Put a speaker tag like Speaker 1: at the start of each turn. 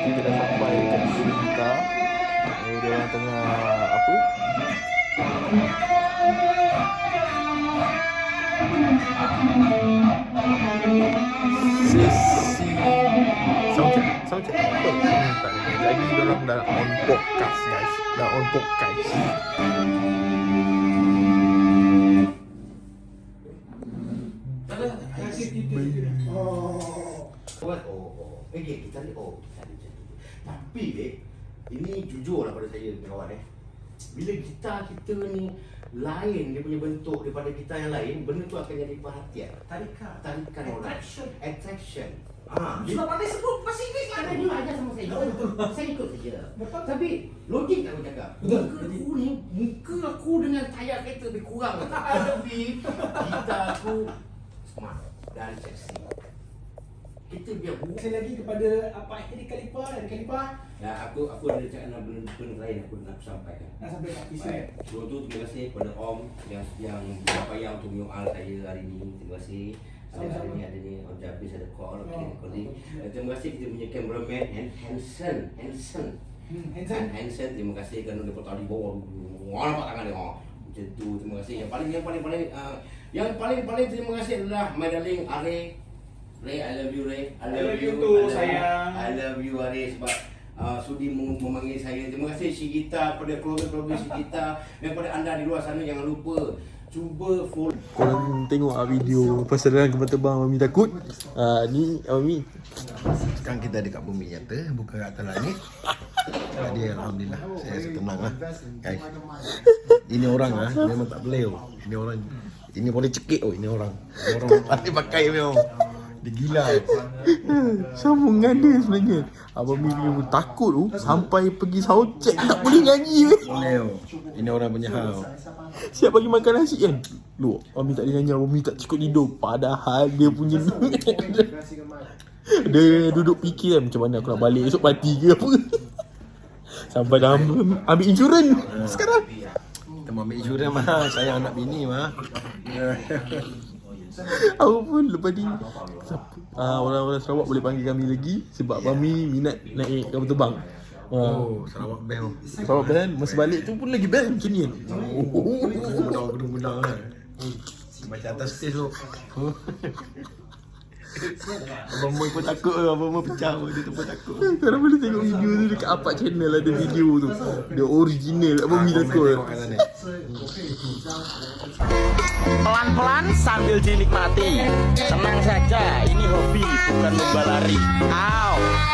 Speaker 1: kita dah sampai dekat studio kita. Dia orang tengah apa? Sesi soundcheck apa? Tak ada. Lagi dia orang dah on podcast guys. Dah on podcast.
Speaker 2: Kita ni tapi ini jujur lah pada saya kawan bila gitar kita ni lain dia punya bentuk daripada gitar yang lain, benda tu akan jadi perhatian, tarikan orang, attraction.
Speaker 3: Sebab pandai sebut bahasa Inggeris
Speaker 2: Kan dia ajar sama saya. Saya ikut saja. Tapi logik tak aku cakap. Muka aku dengan tayar kereta lebih kurang. Tapi gitar aku smart dan seksi. Kita biar buat.
Speaker 3: Saya lagi kepada apa Eric Khalifa.
Speaker 2: Ya, aku ada cakap benda lain aku nak sampaikan.
Speaker 3: Nak sampai kat kisah.
Speaker 2: Sebelum tu terima kasih kepada Om yang berpayah untuk menyoal saya hari ini. Terima kasih. Hari ini ada ni Om Jabis ada call, recording. Dan terima kasih kita punya cameraman and Hanson. Terima kasih kerana dia potong di bawah. Nampak tangan dia. Macam tu, terima kasih. Yang paling terima kasih adalah my darling Ray, I love you Ray. I love you too sayang. I love you Ray sebab sudi memanggil saya. Terima kasih Shigita, pada keluarga-keluarga Shigita dan pada anda di luar sana jangan lupa cuba follow.
Speaker 1: Korang tengok video perserangan kapal terbang Mami takut. Ni Mami.
Speaker 4: Sekarang kita dekat bumi nyata, bukan kat atas langit. Jadi alhamdulillah saya rasa tenang lah guys. Ini orang memang tak boleh. Ini boleh cekik ini orang. Orang pandai pakai memang. Dia gila.
Speaker 1: Sambungan dia sebenarnya. Abang Mimi pun takut tu sampai pergi soundcheck tak boleh nyanyi weh.
Speaker 4: Boleh. Ini orang punya hal.
Speaker 1: Siap bagi makan nasi kan. Lu, Mami tak boleh nyanyi, Mami tak cukup tidur. Padahal dia punya dia duduk fikir kan macam mana aku nak balik esok parti ke apa. Sampai dah ambil insurans sekarang.
Speaker 4: Kita mau ambil insurans mah. Saya anak bini mah.
Speaker 1: Aku pun lepas ni orang-orang Sarawak boleh panggil kami lagi sebab Mami minat naik kapal terbang.
Speaker 4: Sarawak bell.
Speaker 1: Sarawak band masa balik tu pun lagi band macam ni kan.
Speaker 4: Gudang-gudang kan. Macam atas stage tu.
Speaker 1: Abang Moy pun takut Abang Moy pecah dia tu pun takut. Korang boleh tengok video tu dekat Apak channel ada video tu. Dia original Abang Moy takut.
Speaker 5: Pelan-pelan sambil dinikmati. Tenang saja, ini hobi bukan lomba lari. Au.